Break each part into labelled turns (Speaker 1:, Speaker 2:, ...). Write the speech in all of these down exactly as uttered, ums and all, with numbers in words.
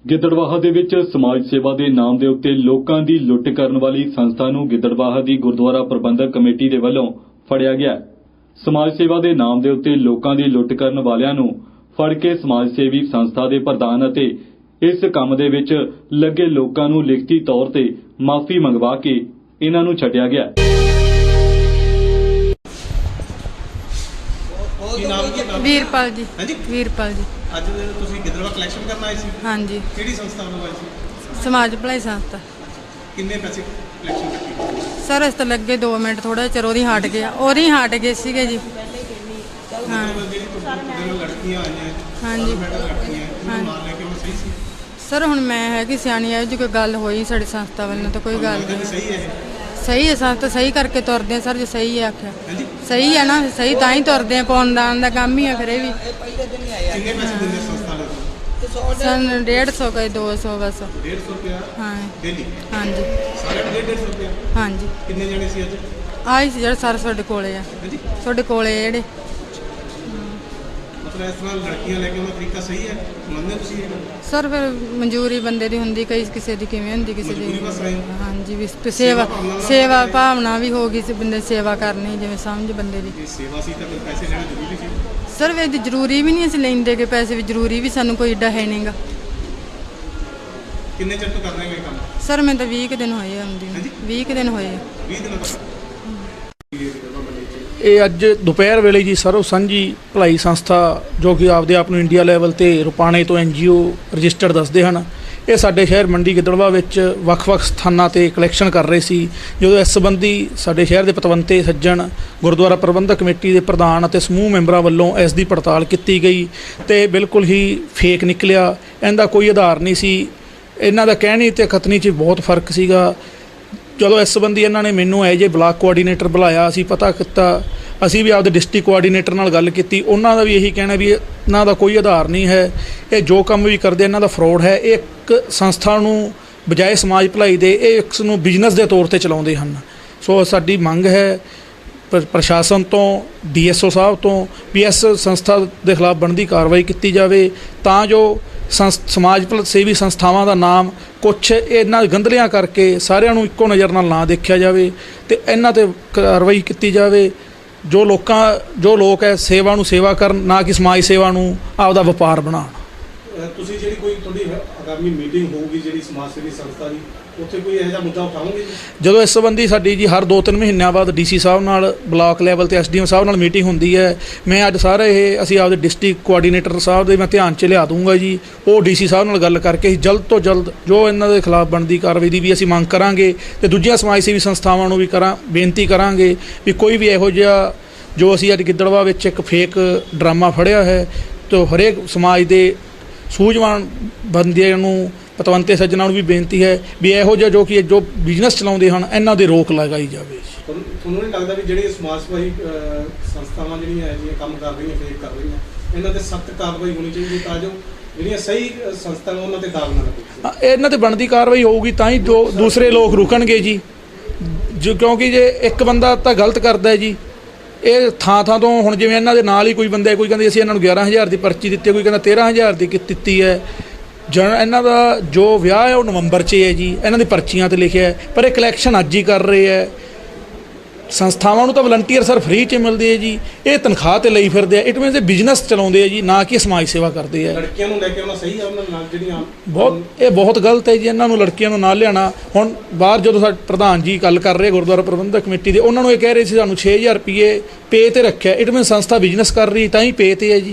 Speaker 1: ਗਿੱਦੜਬਾਹਾ ਦੇ ਵਿੱਚ ਸਮਾਜ ਸੇਵਾ ਦੇ ਨਾਮ ਦੇ ਉੱਤੇ ਲੋਕਾਂ ਦੀ ਲੁੱਟ ਕਰਨ ਵਾਲੀ ਸੰਸਥਾ ਨੂੰ ਗਿੱਦੜਬਾਹਾ ਦੀ ਗੁਰਦੁਆਰਾ ਪ੍ਰਬੰਧਕ ਕਮੇਟੀ ਦੇ ਵੱਲੋਂ ਫੜਿਆ ਗਿਆ। ਸਮਾਜ ਸੇਵਾ ਦੇ ਨਾਮ ਦੇ ਉੱਤੇ ਲੋਕਾਂ ਦੀ ਲੁੱਟ ਕਰਨ ਵਾਲਿਆਂ ਨੂੰ ਫੜ ਕੇ ਸਮਾਜ ਸੇਵੀ ਸੰਸਥਾ ਦੇ ਪ੍ਰਧਾਨ ਅਤੇ ਇਸ ਕੰਮ ਦੇ ਵਿੱਚ ਲੱਗੇ ਲੋਕਾਂ ਨੂੰ ਲਿਖਤੀ ਤੌਰ ਤੇ ਮਾਫੀ ਮੰਗਵਾ ਕੇ ਇਹਨਾਂ ਨੂੰ ਛੱਡਿਆ ਗਿਆ।
Speaker 2: ਵੀਰਪਾਲ ਜੀ। ਹਾਂਜੀ ਵੀਰਪਾਲ ਜੀ।
Speaker 3: ਅੱਜ ਤੁਸੀਂ ਗਿੱਦੜਬਾਹਾ ਕਲੈਕਸ਼ਨ ਕਰਨ ਆਏ ਸੀ?
Speaker 2: ਹਾਂਜੀ।
Speaker 3: ਕਿਹੜੀ ਸੰਸਥਾ ਵੱਲੋਂ ਆਏ ਸੀ?
Speaker 2: ਸਮਾਜ ਭਲਾਈ ਸੰਸਥਾ।
Speaker 3: ਕਿੰਨੇ ਪੈਸੇ ਕਲੈਕਸ਼ਨ ਕੀਤੀ?
Speaker 2: ਸਰ ਇਸ ਤੋਂ ਲੱਗੇ ਦੋ ਮਿੰਟ ਥੋੜਾ ਚਿਰ ਉਹਦੀ ਹਟ ਗਿਆ ਉਹਦੀ ਹਟ ਗਏ ਸੀਗੇ ਜੀ। ਹਾਂ
Speaker 3: ਲੜਕੀਆਂ ਆਈਆਂ?
Speaker 2: ਹਾਂਜੀ
Speaker 3: ਨਾਲ ਲੈ ਕੇ ਉਹ ਸਹੀ ਸੀ?
Speaker 2: ਸਰ ਹੁਣ ਮੈਂ ਹੈਗੀ ਸਿਆਣੀ ਹੈ ਜੀ, ਕੋਈ ਗੱਲ ਹੋਈ ਸਾਡੀ ਸੰਸਥਾ ਵੱਲੋਂ ਤਾਂ ਕੋਈ ਗੱਲ ਨਹੀਂ।
Speaker 3: ਸਹੀ ਹੈ
Speaker 2: ਸਹੀ ਹੈ ਸੰਸਥਾ ਸਹੀ ਕਰਕੇ ਤੁਰਦੇ ਆ ਸਰ। ਜੇ ਸਹੀ ਹੈ ਆਖਿਆ ਸਹੀ ਹੈ ਨਾ, ਸਹੀ ਤਾਂ ਹੀ ਤੁਰਦੇ ਆ। ਪਾਉਣ ਦਾਨ ਦਾ ਕੰਮ ਹੀ ਆ ਫਿਰ ਇਹ ਵੀ।
Speaker 3: ਕਿੰਨੇ ਪੈਸੇ ਦਿੰਦੇ ਸੰਸਥਾ ਵਾਲੇ?
Speaker 2: ਸਨ ਡੇਢ ਸੌ ਕਈ ਦੋ ਸੌ ਬਸ।
Speaker 3: ਡੇਢ ਸੌ ਰੁਪਇਆ
Speaker 2: ਹਾਂ
Speaker 3: ਡੇਲੀ?
Speaker 2: ਹਾਂਜੀ
Speaker 3: ਸਾਰੇ ਡੇਢ ਡੇਢ ਸੌ ਰੁਪਇਆ?
Speaker 2: ਹਾਂਜੀ।
Speaker 3: ਕਿੰਨੇ ਜਣੇ ਸੀ ਅੱਜ?
Speaker 2: ਆਈ ਸੀ ਜਿਹੜੇ ਸਰ ਤੁਹਾਡੇ ਕੋਲੇ ਆ। ਤੁਹਾਡੇ ਕੋਲੇ ਜਿਹੜੇ
Speaker 3: ਮਤਲਬ ਇਸ ਤਰ੍ਹਾਂ ਲੜਕੀਆਂ ਲੈ ਕੇ ਉਹਨਾਂ ਤਰੀਕਾ ਸਹੀ ਹੈ? ਮੰਨਦੇ ਤੁਸੀਂ ਇਹ?
Speaker 2: ਸਰ ਫਿਰ ਮਨਜ਼ੂਰੀ ਬੰਦੇ ਦੀ ਹੁੰਦੀ, ਕਈ ਕਿਸੇ ਦੀ ਕਿਵੇਂ ਹੁੰਦੀ, ਕਿਸੇ ਦੀ। ਹਾਂਜੀ ਵੀ ਸੇਵਾ ਸੇਵਾ ਭਾਵਨਾ ਵੀ ਹੋ ਗਈ ਸੀ ਬੰਦੇ ਸੇਵਾ ਕਰਨੀ, ਜਿਵੇਂ ਸਮਝ ਬੰਦੇ ਦੀ
Speaker 3: ਸੇਵਾ ਸੀ ਤਾਂ ਪੈਸੇ ਲੈਣੇ ਜ਼ਰੂਰੀ ਸੀ?
Speaker 2: ਸਰ ਵੀ ਜ਼ਰੂਰੀ ਵੀ ਨਹੀਂ ਅਸੀਂ ਲੈਂਦੇ ਕਿ ਪੈਸੇ ਵੀ ਜ਼ਰੂਰੀ ਵੀ ਸਾਨੂੰ ਕੋਈ ਏਡਾ ਹੈ ਨਹੀਂਗਾ।
Speaker 3: ਕਿੰਨੇ ਚਿਰ ਤੋਂ ਕਰ ਰਹੇ ਹੋ ਇਹ ਕੰਮ?
Speaker 2: ਸਰ ਮੈਨੂੰ ਤਾਂ ਵੀਹ ਕੁ ਦਿਨ ਹੋਏ ਆਉਂਦੀ ਨੂੰ। ਵੀਹ ਕੁ ਦਿਨ ਹੋਏ ਆ।
Speaker 3: ਵੀਹ ਦਿਨ ਤੋਂ?
Speaker 4: ਇਹ ਅੱਜ ਦੁਪਹਿਰ ਵੇਲੇ ਜੀ ਸਰਵ ਸਾਂਝੀ ਭਲਾਈ ਸੰਸਥਾ ਜੋ ਕਿ ਆਪਦੇ ਆਪ ਨੂੰ ਇੰਡੀਆ ਲੈਵਲ ਤੇ ਰੁਪਾਣੇ ਤੋਂ ਐਨ ਜੀ ਓ ਰਜਿਸਟਰਡ ਦੱਸਦੇ ਹਨ, ਇਹ ਸਾਡੇ ਸ਼ਹਿਰ ਮੰਡੀ ਗਿੱਦੜਬਾਹਾ ਵਿੱਚ ਵੱਖ-ਵੱਖ ਸਥਾਨਾਂ ਤੇ ਕਲੈਕਸ਼ਨ ਕਰ ਰਹੇ ਸੀ। ਜਦੋਂ ਇਸ ਸੰਬੰਧੀ ਸਾਡੇ ਸ਼ਹਿਰ ਦੇ ਪਤਵੰਤੇ ਸੱਜਣ ਗੁਰਦੁਆਰਾ ਪ੍ਰਬੰਧਕ ਕਮੇਟੀ ਦੇ ਪ੍ਰਧਾਨ ਅਤੇ ਸਮੂਹ ਮੈਂਬਰਾਂ ਵੱਲੋਂ ਇਸ ਦੀ ਪੜਤਾਲ ਕੀਤੀ ਗਈ ਤੇ ਬਿਲਕੁਲ ਹੀ ਫੇਕ ਨਿਕਲਿਆ। ਇਹਦਾ ਕੋਈ ਆਧਾਰ ਨਹੀਂ ਸੀ। ਇਹਨਾਂ ਦਾ ਕਹਿਣੀ ਤੇ ਕਥਨੀ 'ਚ ਬਹੁਤ ਫਰਕ ਸੀਗਾ। ਜਦੋਂ ਇਸ ਸੰਬੰਧੀ ਇਹਨਾਂ ਨੇ ਮੈਨੂੰ ਐਜ ਏ ਬਲਾਕ ਕੋਆਰਡੀਨੇਟਰ ਬੁਲਾਇਆ, ਅਸੀਂ ਪਤਾ ਕੀਤਾ, ਅਸੀਂ ਵੀ ਆਪਦੇ ਡਿਸਟ੍ਰਿਕਟ ਕੋਆਰਡੀਨੇਟਰ ਨਾਲ ਗੱਲ ਕੀਤੀ। ਉਹਨਾਂ ਦਾ ਵੀ ਇਹੀ ਕਹਿਣਾ ਵੀ ਇਹਨਾਂ ਦਾ ਕੋਈ ਆਧਾਰ ਨਹੀਂ ਹੈ, ਇਹ ਜੋ ਕੰਮ ਵੀ ਕਰਦੇ ਇਹਨਾਂ ਦਾ ਫਰੋਡ ਹੈ। ਇਹ ਇੱਕ ਸੰਸਥਾ ਨੂੰ ਬਜਾਏ ਸਮਾਜ ਭਲਾਈ ਦੇ ਇਹ ਇਸ ਨੂੰ ਬਿਜ਼ਨਸ ਦੇ ਤੌਰ ਤੇ ਚਲਾਉਂਦੇ ਹਨ। ਸੋ ਸਾਡੀ ਮੰਗ ਹੈ ਪ੍ਰਸ਼ਾਸਨ ਤੋਂ, ਡੀ ਐਸ ਓ ਸਾਹਿਬ ਤੋਂ ਵੀ ਇਸ ਸੰਸਥਾ ਦੇ ਖਿਲਾਫ ਬਣਦੀ ਕਾਰਵਾਈ ਕੀਤੀ ਜਾਵੇ ਤਾਂ ਜੋ ਸੰਸ ਸਮਾਜ ਸੇਵੀ ਸੰਸਥਾਵਾਂ ਦਾ ਨਾਮ ਕੁਛ ਇਹਨਾਂ ਗੰਧਲਿਆਂ ਕਰਕੇ ਸਾਰਿਆਂ ਨੂੰ ਇੱਕੋ ਨਜ਼ਰ ਨਾਲ ਨਾ ਦੇਖਿਆ ਜਾਵੇ ਅਤੇ ਇਹਨਾਂ 'ਤੇ ਕਾਰਵਾਈ ਕੀਤੀ ਜਾਵੇ। ਜੋ ਲੋਕਾਂ ਜੋ ਲੋਕ ਹੈ ਸੇਵਾ ਨੂੰ ਸੇਵਾ ਕਰਨ, ਨਾ ਕਿ ਸਮਾਜ ਸੇਵਾ ਨੂੰ ਆਪਦਾ ਵਪਾਰ ਬਣਾਉਣ।
Speaker 3: ਤੁਸੀਂ ਜਿਹੜੀ ਕੋਈ ਤੁਹਾਡੀ ਆਗਾਮੀ ਮੀਟਿੰਗ ਹੋਊਗੀ ਜਿਹੜੀ ਸਮਾਜ ਸੇਵੀ ਸੰਸਥਾ ਦੀ, ਉੱਥੇ ਕੋਈ ਇਹੋ ਜਿਹਾ ਮੁੱਦਾ ਉਠਾਓਗੇ? ਜਦੋਂ
Speaker 4: ਇਸ ਸੰਬੰਧੀ ਸਾਡੀ ਜੀ ਹਰ ਦੋ ਤਿੰਨ ਮਹੀਨਿਆਂ ਬਾਅਦ ਡੀ ਸੀ ਸਾਹਿਬ ਨਾਲ ਬਲਾਕ ਲੈਵਲ ਤੇ ਐਸ ਡੀ ਐਮ ਸਾਹਿਬ ਨਾਲ ਮੀਟਿੰਗ ਹੁੰਦੀ ਹੈ। ਮੈਂ ਅੱਜ ਸਾਰੇ ਇਹ ਅਸੀਂ ਆਪਦੇ ਡਿਸਟ੍ਰਿਕਟ ਕੋਆਰਡੀਨੇਟਰ ਸਾਹਿਬ ਦੇ ਮੈਂ ਧਿਆਨ 'ਚ ਲਿਆ ਦੂੰਗਾ ਜੀ। ਉਹ ਡੀ ਸੀ ਸਾਹਿਬ ਨਾਲ ਗੱਲ ਕਰਕੇ ਜਲਦ ਤੋਂ ਜਲਦ ਜੋ ਇਹਨਾਂ ਦੇ ਖਿਲਾਫ ਬਣਦੀ ਕਾਰਵਾਈ ਦੀ ਵੀ ਅਸੀਂ ਮੰਗ ਕਰਾਂਗੇ ਅਤੇ ਦੂਜੀਆਂ ਸਮਾਜ ਸੇਵੀ ਸੰਸਥਾਵਾਂ ਨੂੰ ਵੀ ਕਰਾਂ ਬੇਨਤੀ ਕਰਾਂਗੇ ਵੀ ਕੋਈ ਵੀ ਇਹੋ ਜਿਹਾ ਜੋ ਅਸੀਂ ਅੱਜ ਗਿੱਦੜਬਾਹਾ ਵਿੱਚ ਇੱਕ ਫੇਕ ਡਰਾਮਾ ਫੜਿਆ ਹੈ ਤਾਂ ਹਰੇਕ ਸਮਾਜ ਦੇ ਸੂਝਵਾਨ ਬੰਦਿਆਂ ਨੂੰ, ਪਤਵੰਤੇ ਸੱਜਣਾਂ ਨੂੰ ਵੀ ਬੇਨਤੀ ਹੈ ਵੀ ਇਹੋ ਜਿਹਾ ਜੋ ਕਿ ਜੋ ਬਿਜ਼ਨਸ ਚਲਾਉਂਦੇ ਹਨ ਇਹਨਾਂ ਦੇ ਰੋਕ ਲਗਾਈ ਜਾਵੇ।
Speaker 3: ਤੁਹਾਨੂੰ ਨਹੀਂ ਲੱਗਦਾ ਵੀ ਜਿਹੜੀਆਂ ਸਮਾਜ ਸੇਵੀ ਸੰਸਥਾਵਾਂ ਜਿਹੜੀਆਂ ਇਹ ਕੰਮ ਕਰ ਰਹੀਆਂ, ਫੇਕ ਕਰ ਰਹੀਆਂ, ਇਹਨਾਂ 'ਤੇ ਸਖਤ ਕਾਰਵਾਈ ਹੋਣੀ ਚਾਹੀਦੀ ਤਾਂ ਜੋ ਜਿਹੜੀਆਂ ਸਹੀ ਸੰਸਥਾਵਾਂ ਉਹਨਾਂ 'ਤੇ ਦਾਗ ਨਾ ਲੱਗੇ?
Speaker 4: ਇਹਨਾਂ 'ਤੇ ਬਣਦੀ ਕਾਰਵਾਈ ਹੋਊਗੀ ਤਾਂ ਹੀ ਜੋ ਦੂਸਰੇ ਲੋਕ ਰੁਕਣਗੇ ਜੀ। ਜੋ ਕਿਉਂਕਿ ਜੇ ਇੱਕ ਬੰਦਾ ਤਾਂ ਗਲਤ ਕਰਦਾ ਜੀ, ਇਹ ਥਾਂ ਥਾਂ ਤੋਂ ਹੁਣ ਜਿਵੇਂ ਇਹਨਾਂ ਦੇ ਨਾਲ ਹੀ ਕੋਈ ਬੰਦਾ, ਕੋਈ ਕਹਿੰਦੇ ਅਸੀਂ ਇਹਨਾਂ ਨੂੰ ਗਿਆਰਾਂ ਹਜ਼ਾਰ ਦੀ ਪਰਚੀ ਦਿੱਤੀ, ਕੋਈ ਕਹਿੰਦਾ ਤੇਰਾਂ ਹਜ਼ਾਰ ਦੀ ਦਿੱਤੀ ਹੈ। ਜਨ ਇਹਨਾਂ ਦਾ ਜੋ ਵਿਆਹ ਹੈ ਉਹ ਨਵੰਬਰ 'ਚ ਹੈ ਜੀ, ਇਹਨਾਂ ਦੀ ਪਰਚੀਆਂ 'ਤੇ ਲਿਖਿਆ ਹੈ, ਪਰ ਇਹ ਕਲੈਕਸ਼ਨ ਅੱਜ ਹੀ ਕਰ ਰਹੇ ਹੈ। ਸੰਸਥਾਵਾਂ ਨੂੰ ਤਾਂ ਵਲੰਟੀਅਰ ਸਰ ਫ੍ਰੀ 'ਚ ਮਿਲਦੇ ਹੈ ਜੀ, ਇਹ ਤਨਖਾਹ 'ਤੇ ਲਈ ਫਿਰਦੇ ਆ। ਇਟ ਮੀਨਸ ਇਹ ਬਿਜ਼ਨਸ ਚਲਾਉਂਦੇ ਆ ਜੀ, ਨਾ ਕਿ ਸਮਾਜ ਸੇਵਾ ਕਰਦੇ ਆ।
Speaker 3: ਲੜਕੀਆਂ ਨੂੰ ਲੈ ਕੇ ਆਉਣਾ ਸਹੀ ਹੈ ਉਹਨਾਂ ਨਾਲ ਜਿਹੜੀਆਂ
Speaker 4: ਬਹੁਤ ਇਹ ਬਹੁਤ ਗਲਤ ਹੈ ਜੀ। ਇਹਨਾਂ ਨੂੰ ਲੜਕੀਆਂ ਨੂੰ ਨਾਲ ਲਿਆਉਣਾ। ਹੁਣ ਬਾਹਰ ਜਦੋਂ ਸਾਡੇ ਪ੍ਰਧਾਨ ਜੀ ਗੱਲ ਕਰ ਰਹੇ ਗੁਰਦੁਆਰਾ ਪ੍ਰਬੰਧਕ ਕਮੇਟੀ ਦੇ, ਉਹਨਾਂ ਨੂੰ ਇਹ ਕਹਿ ਰਹੇ ਸੀ ਸਾਨੂੰ ਛੇ ਹਜ਼ਾਰ ਰੁਪਈਏ ਪੇ 'ਤੇ ਰੱਖਿਆ। ਇਟ ਮੀਨਸ ਸੰਸਥਾ ਬਿਜ਼ਨਸ ਕਰ ਰਹੀ ਤਾਂ ਹੀ ਪੇ 'ਤੇ ਹੈ ਜੀ।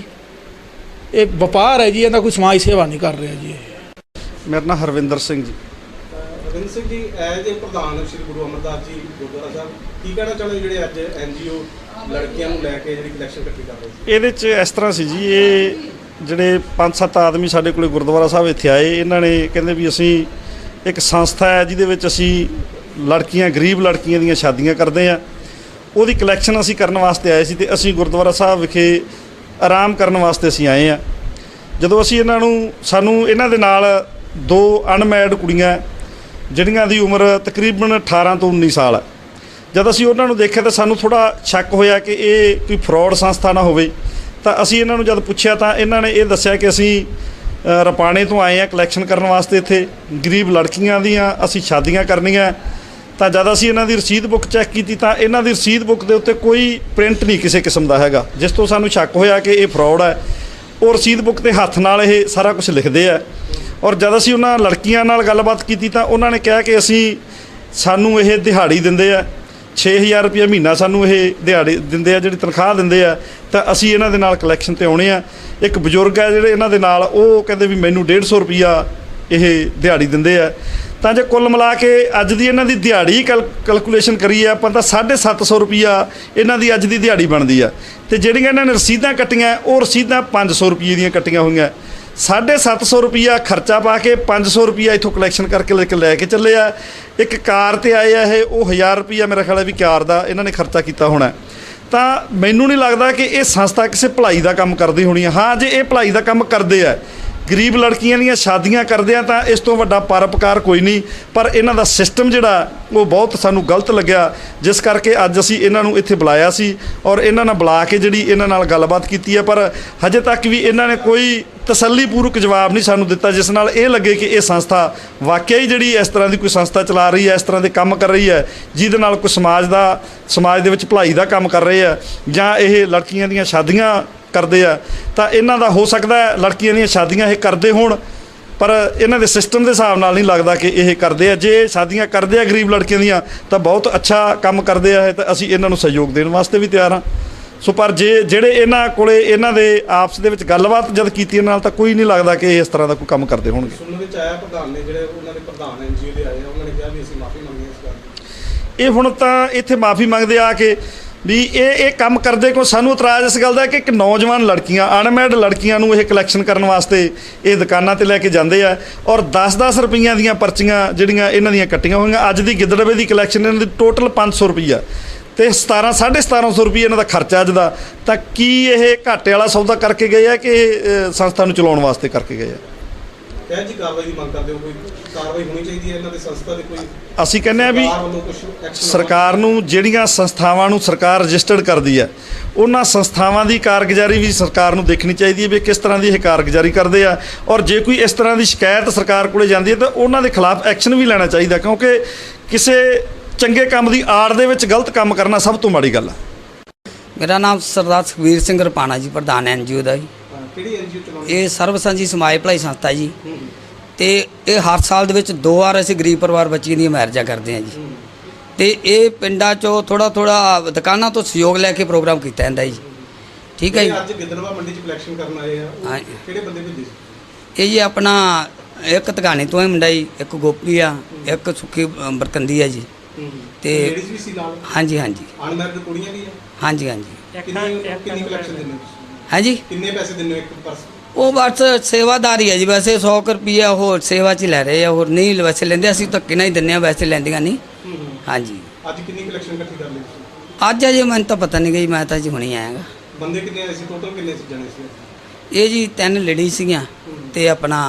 Speaker 4: ਇਹ ਵਪਾਰ ਹੈ ਜੀ, ਇਹਦਾ ਕੋਈ ਸਮਾਜ ਸੇਵਾ ਨਹੀਂ ਕਰ ਰਿਹਾ ਜੀ।
Speaker 5: ਮੇਰਾ ਨਾਮ ਹਰਵਿੰਦਰ ਸਿੰਘ ਜੀ।
Speaker 3: ਹਰਵਿੰਦਰ ਸਿੰਘ ਜੀ, ਐਜ ਏ ਪ੍ਰਧਾਨ ਸ਼੍ਰੀ ਗੁਰੂ ਅਮਰਦਾਸ ਜੀ ਗੁਰਦੁਆਰਾ ਸਾਹਿਬ, ਕੀ ਕਹਿਣਾ ਚਾਹੁੰਦੇ ਜਿਹੜੇ ਅੱਜ ਐਨ ਜੀ ਓ ਲੜਕੀਆਂ ਨੂੰ ਲੈ ਕੇ ਜਿਹੜੀ ਕਲੈਕਸ਼ਨ ਇਕੱਠੀ ਕਰ ਰਹੇ ਸੀ?
Speaker 5: ਇਹਦੇ 'ਚ ਇਸ ਤਰ੍ਹਾਂ ਸੀ ਜੀ, ਇਹ ਜਿਹੜੇ ਪੰਜ ਸੱਤ ਆਦਮੀ ਸਾਡੇ ਕੋਲ ਗੁਰਦੁਆਰਾ ਸਾਹਿਬ ਇੱਥੇ ਆਏ, ਇਹਨਾਂ ਨੇ ਕਹਿੰਦੇ ਵੀ ਅਸੀਂ ਇੱਕ ਸੰਸਥਾ ਹੈ ਜਿਹਦੇ ਵਿੱਚ ਅਸੀਂ ਲੜਕੀਆਂ, ਗਰੀਬ ਲੜਕੀਆਂ ਦੀਆਂ ਸ਼ਾਦੀਆਂ ਕਰਦੇ ਹਾਂ, ਉਹਦੀ ਕਲੈਕਸ਼ਨ ਅਸੀਂ ਕਰਨ ਵਾਸਤੇ ਆਏ ਸੀ ਅਤੇ ਅਸੀਂ ਗੁਰਦੁਆਰਾ ਸਾਹਿਬ ਵਿਖੇ ਆਰਾਮ ਕਰਨ ਵਾਸਤੇ ਅਸੀਂ ਆਏ ਹਾਂ। ਜਦੋਂ ਅਸੀਂ ਇਹਨਾਂ ਨੂੰ ਸਾਨੂੰ ਇਹਨਾਂ ਦੇ ਨਾਲ ਦੋ ਅਨਮੈਰਿਡ ਕੁੜੀਆਂ ਜਿਹੜੀਆਂ ਦੀ ਉਮਰ ਤਕਰੀਬਨ ਅਠਾਰਾਂ ਤੋਂ ਉੱਨੀ ਸਾਲ ਹੈ, ਜਦ ਅਸੀਂ ਉਹਨਾਂ ਨੂੰ ਦੇਖਿਆ ਤਾਂ ਸਾਨੂੰ ਥੋੜ੍ਹਾ ਸ਼ੱਕ ਹੋਇਆ ਕਿ ਇਹ ਕੋਈ ਫਰੋਡ ਸੰਸਥਾ ਨਾ ਹੋਵੇ। ਤਾਂ ਅਸੀਂ ਇਹਨਾਂ ਨੂੰ ਜਦ ਪੁੱਛਿਆ ਤਾਂ ਇਹਨਾਂ ਨੇ ਇਹ ਦੱਸਿਆ ਕਿ ਅਸੀਂ ਅ, ਰਪਾਣੇ ਤੋਂ ਆਏ ਆ ਕਲੈਕਸ਼ਨ ਕਰਨ ਵਾਸਤੇ। ਇੱਥੇ ਗਰੀਬ ਲੜਕੀਆਂ ਦੀਆਂ ਅਸੀਂ ਸ਼ਾਦੀਆਂ ਕਰਨੀਆਂ, ਤਾਂ ਜਦ ਅਸੀਂ ਇਹਨਾਂ ਦੀ ਰਸੀਦ ਬੁੱਕ ਚੈੱਕ ਕੀਤੀ ਤਾਂ ਇਹਨਾਂ ਦੀ ਰਸੀਦ ਬੁੱਕ ਦੇ ਉੱਤੇ ਕੋਈ ਪ੍ਰਿੰਟ ਨਹੀਂ ਕਿਸੇ ਕਿਸਮ ਦਾ ਹੈਗਾ, ਜਿਸ ਤੋਂ ਸਾਨੂੰ ਸ਼ੱਕ ਹੋਇਆ ਕਿ ਇਹ ਫਰਾਡ ਹੈ। ਉਹ ਰਸੀਦ ਬੁੱਕ 'ਤੇ ਹੱਥ ਨਾਲ ਇਹ ਸਾਰਾ ਕੁਝ ਲਿਖਦੇ ਆ। ਔਰ ਜਦ ਅਸੀਂ ਉਹਨਾਂ ਲੜਕੀਆਂ ਨਾਲ ਗੱਲਬਾਤ ਕੀਤੀ ਤਾਂ ਉਹਨਾਂ ਨੇ ਕਿਹਾ ਕਿ ਅਸੀਂ ਸਾਨੂੰ ਇਹ ਦਿਹਾੜੀ ਦਿੰਦੇ ਆ, ਛੇ ਹਜ਼ਾਰ ਰੁਪਇਆ ਮਹੀਨਾ ਸਾਨੂੰ ਇਹ ਦਿਹਾੜੀ ਦਿੰਦੇ ਆ, ਜਿਹੜੀ ਤਨਖਾਹ ਦਿੰਦੇ ਆ, ਤਾਂ ਅਸੀਂ ਇਹਨਾਂ ਦੇ ਨਾਲ ਕਲੈਕਸ਼ਨ 'ਤੇ ਆਉਣੇ ਆ। ਇੱਕ ਬਜ਼ੁਰਗ ਹੈ ਜਿਹੜੇ ਇਹਨਾਂ ਦੇ ਨਾਲ, ਉਹ ਕਹਿੰਦੇ ਵੀ ਮੈਨੂੰ ਡੇਢ ਸੌ ਰੁਪਈਆ ਇਹ ਦਿਹਾੜੀ ਦਿੰਦੇ ਆ। ਤਾਂ ਜੇ ਕੁੱਲ ਮਿਲਾ ਕੇ ਅੱਜ ਦੀ ਇਹਨਾਂ ਦੀ ਦਿਹਾੜੀ ਕੈਲ ਕੈਲਕੂਲੇਸ਼ਨ ਕਰੀਏ ਆਪਾਂ ਤਾਂ ਸਾਢੇ ਸੱਤ ਸੌ ਰੁਪਈਆ ਇਹਨਾਂ ਦੀ ਅੱਜ ਦੀ ਦਿਹਾੜੀ ਬਣਦੀ ਆ। ਅਤੇ ਜਿਹੜੀਆਂ ਇਹਨਾਂ ਨੇ ਰਸੀਦਾਂ ਕੱਟੀਆਂ ਉਹ ਰਸੀਦਾਂ ਪੰਜ ਸੌ ਰੁਪਈਏ ਦੀਆਂ ਕੱਟੀਆਂ ਹੋਈਆਂ। ਸਾਢੇ ਸੱਤ ਸੌ ਰੁਪਈਆ ਖਰਚਾ ਪਾ ਕੇ ਪੰਜ ਸੌ ਰੁਪਈਆ ਇੱਥੋਂ ਕਲੈਕਸ਼ਨ ਕਰਕੇ ਲੈ ਕੇ ਲੈ ਕੇ ਚੱਲੇ ਆ। ਇੱਕ ਕਾਰ 'ਤੇ ਆਏ ਆ ਇਹ, ਉਹ ਹਜ਼ਾਰ ਰੁਪਈਆ ਮੇਰਾ ਖਿਆਲ ਹੈ ਵੀ ਕਾਰ ਦਾ ਇਹਨਾਂ ਨੇ ਖਰਚਾ ਕੀਤਾ ਹੋਣਾ। ਤਾਂ ਮੈਨੂੰ ਨਹੀਂ ਲੱਗਦਾ ਕਿ ਇਹ ਸੰਸਥਾ ਕਿਸੇ ਭਲਾਈ ਦਾ ਕੰਮ ਕਰਦੀ ਹੋਣੀ ਹੈ। ਹਾਂ, ਜੇ ਇਹ ਭਲਾਈ ਦਾ ਕੰਮ ਕਰਦੇ ਆ, ਗਰੀਬ ਲੜਕੀਆਂ ਦੀਆਂ ਸ਼ਾਦੀਆਂ ਕਰਦੇ ਆ, ਤਾਂ ਇਸ ਤੋਂ ਵੱਡਾ ਪਰਉਪਕਾਰ ਕੋਈ ਨਹੀਂ। ਪਰ ਇਹਨਾਂ ਦਾ ਸਿਸਟਮ ਜਿਹੜਾ ਉਹ ਬਹੁਤ ਸਾਨੂੰ ਗਲਤ ਲੱਗਿਆ, ਜਿਸ ਕਰਕੇ ਅੱਜ ਅਸੀਂ ਇਹਨਾਂ ਨੂੰ ਇੱਥੇ ਬੁਲਾਇਆ ਸੀ ਔਰ ਇਹਨਾਂ ਨਾਲ ਬੁਲਾ ਕੇ ਜਿਹੜੀ ਇਹਨਾਂ ਨਾਲ ਗੱਲਬਾਤ ਕੀਤੀ ਹੈ। ਪਰ ਹਜੇ ਤੱਕ ਵੀ ਇਹਨਾਂ ਨੇ ਕੋਈ ਤਸੱਲੀਪੂਰਵਕ ਜਵਾਬ ਨਹੀਂ ਸਾਨੂੰ ਦਿੱਤਾ, ਜਿਸ ਨਾਲ ਇਹ ਲੱਗੇ ਕਿ ਇਹ ਸੰਸਥਾ ਵਾਕਿਆ ਹੀ ਜਿਹੜੀ ਇਸ ਤਰ੍ਹਾਂ ਦੀ ਕੋਈ ਸੰਸਥਾ ਚਲਾ ਰਹੀ ਹੈ, ਇਸ ਤਰ੍ਹਾਂ ਦੇ ਕੰਮ ਕਰ ਰਹੀ ਹੈ ਜਿਹਦੇ ਨਾਲ ਕੋਈ ਸਮਾਜ ਦਾ ਸਮਾਜ ਦੇ ਵਿੱਚ ਭਲਾਈ ਦਾ ਕੰਮ ਕਰ ਰਹੇ ਆ, ਜਾਂ ਇਹ ਲੜਕੀਆਂ ਦੀਆਂ ਸ਼ਾਦੀਆਂ ਕਰਦੇ ਆ। ਤਾਂ ਇਹਨਾਂ ਦਾ ਹੋ ਸਕਦਾ ਲੜਕੀਆਂ ਦੀਆਂ ਸ਼ਾਦੀਆਂ ਇਹ ਕਰਦੇ ਹੋਣ, ਪਰ ਇਹਨਾਂ ਦੇ ਸਿਸਟਮ ਦੇ ਹਿਸਾਬ ਨਾਲ ਨਹੀਂ ਲੱਗਦਾ ਕਿ ਇਹ ਕਰਦੇ ਆ। ਜੇ ਸ਼ਾਦੀਆਂ ਕਰਦੇ ਆ ਗਰੀਬ ਲੜਕੀਆਂ ਦੀਆਂ ਤਾਂ ਬਹੁਤ ਅੱਛਾ ਕੰਮ ਕਰਦੇ ਆ, ਤਾਂ ਅਸੀਂ ਇਹਨਾਂ ਨੂੰ ਸਹਿਯੋਗ ਦੇਣ ਵਾਸਤੇ ਵੀ ਤਿਆਰ ਹਾਂ। ਸੋ ਪਰ ਜੇ ਜਿਹੜੇ ਇਹਨਾਂ ਕੋਲੇ ਇਹਨਾਂ ਦੇ ਆਪਸ ਦੇ ਵਿੱਚ ਗੱਲਬਾਤ ਜਦ ਕੀਤੀ ਇਹਨਾਂ ਨਾਲ, ਤਾਂ ਕੋਈ ਨਹੀਂ ਲੱਗਦਾ ਕਿ ਇਹ ਇਸ ਤਰ੍ਹਾਂ ਦਾ ਕੋਈ ਕੰਮ ਕਰਦੇ ਹੋਣਗੇ।
Speaker 3: ਸੁਣਨ ਵਿੱਚ ਆਇਆ ਪ੍ਰਧਾਨ ਨੇ, ਜਿਹੜੇ ਉਹਨਾਂ ਦੇ ਪ੍ਰਧਾਨ ਐਨਜੀਓ ਦੇ ਆਏ ਆ, ਉਹਨਾਂ ਨੇ ਕਿਹਾ ਵੀ ਅਸੀਂ ਮਾਫੀ ਮੰਗਦੇ ਹਾਂ ਇਸ ਗੱਲ।
Speaker 5: ਇਹ ਹੁਣ ਤਾਂ ਇੱਥੇ ਮਾਫੀ ਮੰਗਦੇ ਆ ਕਿ ਵੀ ਇਹ ਇਹ ਕੰਮ ਕਰਦੇ ਕੋ ਸਾਨੂੰ ਇਤਰਾਜ਼ ਇਸ ਗੱਲ ਦਾ ਕਿ ਇੱਕ ਨੌਜਵਾਨ ਲੜਕੀਆਂ, ਅਨਮੈਰਿਡ ਲੜਕੀਆਂ ਨੂੰ ਇਹ ਕਲੈਕਸ਼ਨ ਕਰਨ ਵਾਸਤੇ ਇਹ ਦੁਕਾਨਾਂ 'ਤੇ ਲੈ ਕੇ ਜਾਂਦੇ ਆ ਔਰ ਦਸ ਦਸ ਰੁਪਈਆਂ ਦੀਆਂ ਪਰਚੀਆਂ ਜਿਹੜੀਆਂ ਇਹਨਾਂ ਦੀਆਂ ਕੱਟੀਆਂ ਹੋਈਆਂ। ਅੱਜ ਦੀ ਗਿੱਦੜਵੇ ਦੀ ਕਲੈਕਸ਼ਨ ਇਹਨਾਂ ਦੀ ਟੋਟਲ ਪੰਜ ਸੌ ਰੁਪਈਆ ਅਤੇ ਸਤਾਰਾਂ ਸਾਢੇ ਸਤਾਰਾਂ ਸੌ ਰੁਪਈਆ ਇਹਨਾਂ ਦਾ ਖਰਚਾ ਅੱਜ ਦਾ। ਤਾਂ ਕੀ ਇਹ ਘਾਟੇ ਵਾਲਾ ਸੌਦਾ ਕਰਕੇ ਗਏ ਆ ਕਿ ਇਹ ਸੰਸਥਾ ਨੂੰ ਚਲਾਉਣ ਵਾਸਤੇ ਕਰਕੇ ਗਏ ਆ?
Speaker 3: ਕਹਿ ਜੀ ਕਾਰਵਾਈ ਦੀ ਮੰਗ ਕਰਦੇ ਹੋ, ਕੋਈ ਕਾਰਵਾਈ ਹੋਣੀ ਚਾਹੀਦੀ ਹੈ ਇਹਨਾਂ ਦੇ ਸੰਸਥਾ ਦੇ? ਕੋਈ
Speaker 5: ਅਸੀਂ ਕਹਿੰਦੇ ਆ ਵੀ
Speaker 3: ਸਰਕਾਰ ਵੱਲੋਂ ਕੁਛ action
Speaker 5: ਸਰਕਾਰ ਨੂੰ ਜਿਹੜੀਆਂ ਸੰਸਥਾਵਾਂ ਨੂੰ ਸਰਕਾਰ ਰਜਿਸਟਰਡ ਕਰਦੀ ਹੈ, ਉਹਨਾਂ ਸੰਸਥਾਵਾਂ ਦੀ ਕਾਰਗੁਜ਼ਾਰੀ ਵੀ ਸਰਕਾਰ ਨੂੰ ਦੇਖਣੀ ਚਾਹੀਦੀ ਹੈ ਵੀ ਕਿਸ ਤਰ੍ਹਾਂ ਦੀ ਇਹ ਕਾਰਗੁਜ਼ਾਰੀ ਕਰਦੇ ਆ। ਔਰ ਜੇ ਕੋਈ ਇਸ ਤਰ੍ਹਾਂ ਦੀ ਸ਼ਿਕਾਇਤ ਸਰਕਾਰ ਕੋਲੇ ਜਾਂਦੀ ਹੈ ਤਾਂ ਉਹਨਾਂ ਦੇ ਖਿਲਾਫ ਐਕਸ਼ਨ ਵੀ ਲੈਣਾ ਚਾਹੀਦਾ, ਕਿਉਂਕਿ ਕਿਸੇ ਚੰਗੇ ਕੰਮ ਦੀ ਆੜ ਦੇ ਵਿੱਚ ਗਲਤ ਕੰਮ ਕਰਨਾ ਸਭ ਤੋਂ ਮਾੜੀ ਗੱਲ ਆ।
Speaker 6: ਮੇਰਾ ਨਾਮ ਸਰਦਾਰ ਸੁਖਬੀਰ ਸਿੰਘ ਰਪਾਣਾ ਜੀ, ਪ੍ਰਧਾਨ ਐਨਜੀਓ ਦਾ ਜੀ।
Speaker 3: ਕਿਹੜੀ ਐਨਜੀਓ ਚਲਾਉਂਦੇ?
Speaker 6: ਇਹ ਸਰਬ ਸਾਂਝੀ ਸਮਾਜ ਭਲਾਈ ਸੰਸਥਾ ਜੀ। ਤੇ ਇਹ ਹਰ ਸਾਲ ਦੇ ਵਿੱਚ ਦੋ ਵਾਰ ਅਸੀਂ ਗਰੀਬ ਪਰਿਵਾਰ ਬੱਚੀਆਂ ਦੀਆਂ ਮੈਰਿਜਾਂ ਕਰਦੇ ਹਾਂ ਜੀ। ਤੇ ਇਹ ਪਿੰਡਾਂ 'ਚੋਂ ਥੋੜ੍ਹਾ ਥੋੜ੍ਹਾ ਦੁਕਾਨਾਂ ਤੋਂ ਸਹਿਯੋਗ ਲੈ ਕੇ ਪ੍ਰੋਗਰਾਮ ਕੀਤਾ ਜਾਂਦਾ ਜੀ। ਠੀਕ ਹੈ ਜੀ।
Speaker 3: ਅੱਜ ਗਿੱਦੜਵਾ ਮੰਡੀ 'ਚ ਕਲੈਕਸ਼ਨ ਕਰਨ ਆਏ ਆ,
Speaker 6: ਹਾਂ।
Speaker 3: ਕਿਹੜੇ ਬੰਦੇ ਭੇਜੇ ਸੀ?
Speaker 6: ਇਹ ਜੀ ਆਪਣਾ ਇੱਕ ਧਗਾਣੇ ਤੋਂ ਹੈ ਮੁੰਡਾ ਜੀ, ਇੱਕ ਗੋਪੀ ਆ, ਇੱਕ ਸੁੱਖੀ ਅ, ਬਰਕੰਦੀ ਆ ਜੀ। ਤੇ
Speaker 3: ਲੇਡੀਜ਼ ਵੀ ਸੀ ਨਾਲ?
Speaker 6: ਹਾਂਜੀ ਹਾਂਜੀ
Speaker 3: ਅਨਮੈਰਿਡ ਕੁੜੀਆਂ ਵੀ ਆ?
Speaker 6: ਹਾਂਜੀ ਹਾਂਜੀ।
Speaker 3: ਕਿੰਨੀ ਕਿੰਨੀ ਕਲੈਕਸ਼ਨ ਦਿੰਦੇ ਹੋ?
Speaker 6: ਹਾਂਜੀ।
Speaker 3: ਕਿੰਨੇ ਪੈਸੇ ਦਿੰਦੇ ਹੋ ਇੱਕ ਪਰਸ?
Speaker 6: ਉਹ ਬਸ ਸੇਵਾਦਾਰੀ ਹੈ ਜੀ, ਵੈਸੇ ਸੌ ਕੁ ਰੁਪਈਆ ਹੋਰ ਸੇਵਾ 'ਚ ਲੈ ਰਹੇ ਆ, ਹੋਰ ਨਹੀਂ ਵੈਸੇ ਲੈਂਦੇ, ਅਸੀਂ ਧੱਕੇ ਨਾਲ ਹੀ ਦਿੰਦੇ ਹਾਂ, ਵੈਸੇ ਲੈਂਦੀਆਂ ਨਹੀਂ। ਹਾਂਜੀ।
Speaker 3: ਅੱਜ ਕਿੰਨੀ ਕਲੈਕਸ਼ਨ ਇਕੱਠੀ ਕਰ ਲਈ ਤੁਸੀਂ?
Speaker 6: ਅੱਜ ਅਜੇ ਮੈਨੂੰ ਤਾਂ ਪਤਾ ਨਹੀਂ ਗਈ, ਮੈਂ ਤਾਂ ਜੀ ਹੁਣੇ ਆਇਆ ਗਾ।
Speaker 3: ਬੰਦੇ ਕਿੰਨੇ ਆਏ ਸੀ ਟੋਟਲ? ਕਿੰਨੇ ਸੀ ਜਣੇ ਸੀ?
Speaker 6: ਇਹ ਜੀ ਤਿੰਨ ਲੇਡੀ ਸੀਗੀਆਂ ਤੇ ਆਪਣਾ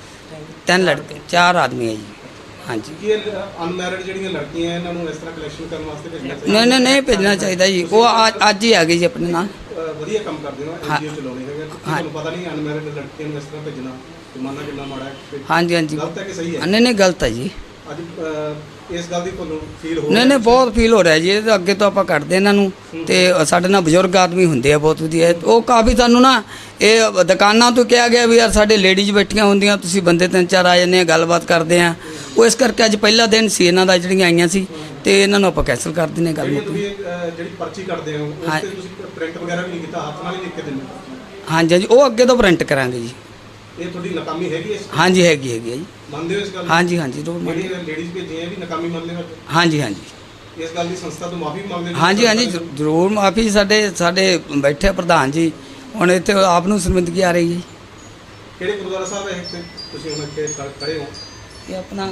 Speaker 6: ਤਿੰਨ ਲੜਕੇ, ਚਾਰ ਆਦਮੀ ਹੈ ਜੀ। ਹਾਂਜੀ।
Speaker 3: ਕੀ ਅਨਮੈਰਿਡ ਜਿਹੜੀਆਂ ਲੜਕੀਆਂ ਇਹਨਾਂ ਨੂੰ ਇਸ ਤਰ੍ਹਾਂ ਕਲੈਕਸ਼ਨ ਕਰਨ ਵਾਸਤੇ ਭੇਜਣਾ ਚਾਹੀਦਾ?
Speaker 6: ਨਹੀਂ ਨਹੀਂ ਨਹੀਂ ਭੇਜਣਾ ਚਾਹੀਦਾ ਜੀ, ਉਹ ਅੱਜ- ਅੱਜ ਹੀ ਆ ਗਈ ਜੀ ਆਪਣੇ ਨਾਲ।
Speaker 3: ਅਹ ਵਧੀਆ ਕੰਮ ਕਰਦੇ ਹੋ,
Speaker 6: ਹਾਂ।
Speaker 3: ਐਨਜੀਓ ਚਲਾਉਣੇ ਹੈਗੇ, ਤੁਹਾਨੂੰ ਪਤਾ ਨਹੀਂ ਅਨਮੈਰਿਡ ਲੜਕੀਆਂ ਨੂੰ ਇਸ ਤਰ੍ਹਾਂ ਭੇਜਣਾ ਜ਼ਮਾਨਾ ਕਿੰਨਾ ਮਾੜਾ ਹੈ।
Speaker 6: ਹਾਂਜੀ ਹਾਂਜੀ।
Speaker 3: ਗਲਤ ਹੈ ਕਿ ਸਹੀ ਹੈ?
Speaker 6: ਨਹੀਂ ਨਹੀਂ ਗਲਤ ਹੈ ਜੀ।
Speaker 3: ਅੱਜ ਅਹ, ਇਸ ਗੱਲ ਦੀ ਤੁਹਾਨੂੰ ਫੀਲ ਹੋ
Speaker 6: ਨਹੀਂ ਨਹੀਂ ਬਹੁਤ ਫੀਲ ਹੋ ਰਿਹਾ ਜੀ, ਇਹਦੇ ਅੱਗੇ ਤੋਂ ਆਪਾਂ ਕੱਢਦੇ ਇਹਨਾਂ ਨੂੰ। ਤੇ ਸਾਡੇ ਨਾਲ ਬਜ਼ੁਰਗ ਆਦਮੀ ਹੁੰਦੇ ਆ ਬਹੁਤ ਵਧੀਆ, ਉਹ ਕਾਫੀ ਸਾਨੂੰ ਨਾ ਇਹ ਦੁਕਾਨਾਂ ਤੋਂ ਕਿਹਾ ਗਿਆ ਵੀ ਯਾਰ ਸਾਡੇ ਲੇਡੀਜ਼ ਬੈਠੀਆਂ ਹੁੰਦੀਆਂ, ਤੁਸੀਂ ਬੰਦੇ ਤਿੰਨ ਚਾਰ ਆ ਜਾਂਦੇ ਆ, ਗੱਲਬਾਤ ਕਰਦੇ ਆ। ਉਹ ਇਸ ਕਰਕੇ ਅੱਜ ਪਹਿਲਾ ਦਿਨ ਸੀ ਇਹਨਾਂ ਦਾ, ਜਿਹੜੀਆਂ ਆਈਆਂ ਸੀ, ਤੇ ਇਹਨਾਂ ਨੂੰ ਆਪਾਂ ਕੈਂਸਲ ਕਰ ਦਿੰਦੇ ਗੱਲ ਮੁੱਕ।
Speaker 3: ਤੁਸੀਂ ਅਹ, ਜਿਹੜੀ ਪਰਚੀ ਕੱਢਦੇ ਹੋ ਉਸ
Speaker 6: ਹਾਂ।
Speaker 3: ਤੇ ਤੁਸੀਂ ਪ੍ਰਿੰਟ ਵਗੈਰਾ ਵੀ ਨਹੀਂ ਕੀਤਾ, ਹੱਥ ਨਾਲ ਹੀ ਲਿਖ ਕੇ ਦਿੰਦੇ ਹੋ?
Speaker 6: ਹਾਂਜੀ ਹਾਂਜੀ, ਉਹ ਅੱਗੇ ਤੋਂ ਪ੍ਰਿੰਟ ਕਰਾਂਗੇ ਜੀ।
Speaker 3: ਇਹ ਤੁਹਾਡੀ ਨਾਕਾਮੀ ਹੈਗੀ ਇਸ?
Speaker 6: ਹਾਂਜੀ ਹੈਗੀ ਹੈਗੀ ਹੈ ਜੀ।
Speaker 3: ਮੰਨਦੇ ਹੋ ਇਸ ਗੱਲ ਨੂੰ?
Speaker 6: ਹਾਂਜੀ ਹਾਂਜੀ ਜ਼ਰੂਰ ਮੰਨ-
Speaker 3: ਜਿਹੜੀਆਂ ਲੇਡੀਜ਼ ਭੇਜੀਆਂ ਵੀ ਨਾਕਾਮੀ ਮੰਨਦੇ ਹੋ?
Speaker 6: ਹਾਂਜੀ ਹਾਂਜੀ।
Speaker 3: ਇਸ ਗੱਲ ਦੀ ਸੰਸਥਾ ਤੋਂ ਮਾਫੀ ਮੰਗਦੇ ਹੋ?
Speaker 6: ਹਾਂਜੀ ਹਾਂਜੀ ਜ਼ਰੂ- ਜ਼ਰੂਰ ਮਾਫੀ। ਸਾਡੇ ਸਾਡੇ ਬੈਠੇ ਪ੍ਰਧਾਨ ਜੀ, ਹੁਣ ਇੱਥੇ ਆਪ ਨੂੰ ਸ਼ਰਮਿੰਦਗੀ ਆ ਰਹੀ ਹੈ।
Speaker 3: ਕਿਹੜੇ ਗੁਰਦੁਆਰਾ ਸਾਹਿਬ ਹੈ ਇੱਥੇ ਤੁਸੀਂ ਹੁਣ ਇੱਥੇ ਖੜੇ ਹੋ?
Speaker 6: ਇਹ ਆਪਣਾ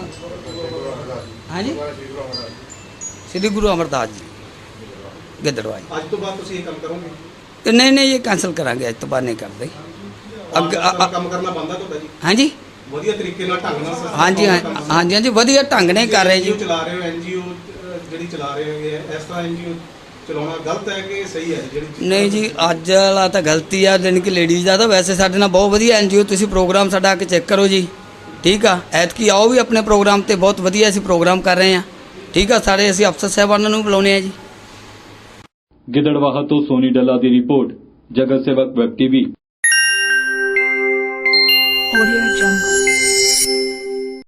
Speaker 6: ਹਾਂਜੀ ਸ੍ਰੀ ਗੁਰੂ ਅਮਰਦਾਸ ਜੀ ਗਿੱਦੜਵਾ ਜੀ।
Speaker 3: ਅੱਜ ਤੋਂ ਬਾਅਦ ਤੁਸੀਂ ਇਹ ਕੰਮ ਕਰੋਗੇ?
Speaker 6: ਤੇ ਨਹੀਂ ਨਹੀਂ, ਇਹ ਕੈਂਸਲ ਕਰਾਂਗੇ, ਅੱਜ ਤੋਂ ਬਾਅਦ ਨਹੀਂ ਕਰਦੇ। ਅੱਗੇ
Speaker 3: ਅੱਗੇ
Speaker 6: ਅ- ਅ-
Speaker 3: ਕੰਮ ਕਰਨਾ ਬੰਦਾ ਤੁਹਾਡਾ ਜੀ?
Speaker 6: ਹਾਂਜੀ
Speaker 3: ਵਧੀਆ ਤਰੀਕੇ ਨਾਲ ਢੰਗ ਨਾਲ ਸੰਸਥਾ
Speaker 6: ਹਾਂਜੀ
Speaker 3: ਦਾ
Speaker 6: ਹਾਂ-
Speaker 3: ਕੰਮ ਕਰਨਾ।
Speaker 6: ਹਾਂਜੀ ਹਾਂਜੀ, ਵਧੀਆ ਢੰਗ ਨਾਲ ਕਰ ਰਹੇ ਜੀ।
Speaker 3: NGO ਚਲਾ ਰਹੇ ਹੋ, ਐਨਜੀਓ ਜਿਹੜੀ ਚਲਾ ਰਹੇ ਹੋਗੇ ਇਸ ਤਰ੍ਹਾਂ ਐਨਜੀਓ ਚਲਾਉਣਾ ਗਲਤ ਹੈ ਕਿ ਸਹੀ ਹੈ ਜਿਹੜੀ ਚੀਜ਼?
Speaker 6: ਨਹੀਂ ਜੀ, ਅੱਜ ਵਾਲਾ ਤਾਂ ਗਲਤੀ ਆ ਜਾਣੀ ਕਿ ਲੇਡੀਜ਼ ਦਾ। ਤਾਂ ਵੈਸੇ ਸਾਡੇ ਨਾਲ ਬਹੁਤ ਵਧੀਆ ਐਨਜੀਓ, ਤੁਸੀਂ ਪ੍ਰੋਗਰਾਮ ਸਾਡਾ ਆ ਕੇ ਚੈੱਕ ਕਰੋ ਜੀ। ਠੀਕ ਆ, ਐਤਕੀ ਆਓ ਵੀ ਆਪਣੇ ਪ੍ਰੋਗਰਾਮ ਤੇ, ਬਹੁਤ ਵਧੀਆ ਅਸੀਂ ਪ੍ਰੋਗਰਾਮ ਕਰ ਰਹੇ ਹਾਂ। ਠੀਕ ਆ, ਸਾਰੇ ਅਸੀਂ ਅਫਸਰ ਸਾਹਿਬਾਨਾਂ ਨੂੰ ਬੁਲਾਉਂਦੇ ਆ ਜੀ।
Speaker 1: ਗਿੱਦੜਵਾਹਾ ਤੋਂ ਸੋਨੀ ਡੱਲਾ ਦੀ ਰਿਪੋਰਟ, ਜਗਤ ਸੇਵਕ ਵੈਬ ਟੀਵੀ।
Speaker 7: Audio Jungle.